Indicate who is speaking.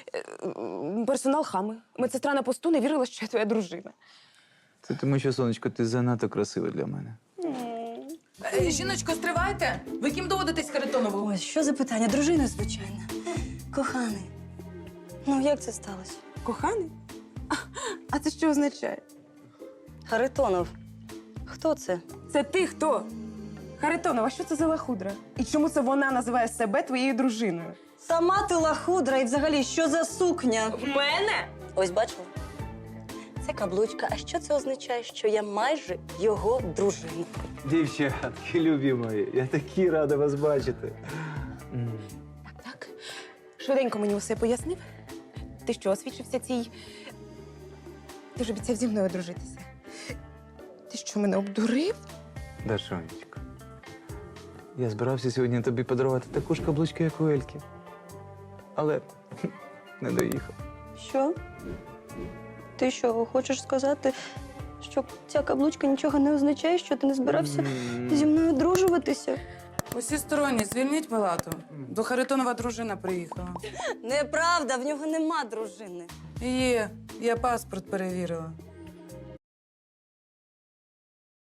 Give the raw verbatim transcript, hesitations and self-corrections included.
Speaker 1: Е, м, Персонал хами. Медсестра на посту не вірила, що я твоя дружина.
Speaker 2: Це тому, що, сонечко, ти занадто красива для мене.
Speaker 3: Е, Жіночко, стривайте! Ви ким доводитесь Харитонову?
Speaker 4: Ось, що за питання? Дружина, звичайно. Коханий. Ну, як це сталося?
Speaker 1: Коханий? А, а це що означає?
Speaker 4: Харитонов. Хто це?
Speaker 1: Це ти хто? Харитонова, що це за лахудра? І чому це вона називає себе твоєю дружиною?
Speaker 4: Сама ти лахудра і взагалі, що за сукня?
Speaker 1: В мене?
Speaker 4: Ось бачила? Це каблучка. А що це означає? Що я майже його дружина.
Speaker 2: Дівчатки, любі мої, я такий радий вас бачити.
Speaker 1: Так. Швиденько мені усе пояснив. Ти що, освічився цій... Ти ж обіцяв зі мною одружитися. Ти що, мене обдурив?
Speaker 2: Дашонечко, я збирався сьогодні тобі подарувати таку ж каблучку, як у Ельки. Але не доїхав.
Speaker 4: Що? Ти що, хочеш сказати, що ця каблучка нічого не означає, що ти не збирався зі мною одружуватися?
Speaker 3: Усі сторонні, звільніть палату. До Харитонова дружина приїхала.
Speaker 4: Неправда, в нього нема дружини.
Speaker 3: Є, я паспорт перевірила.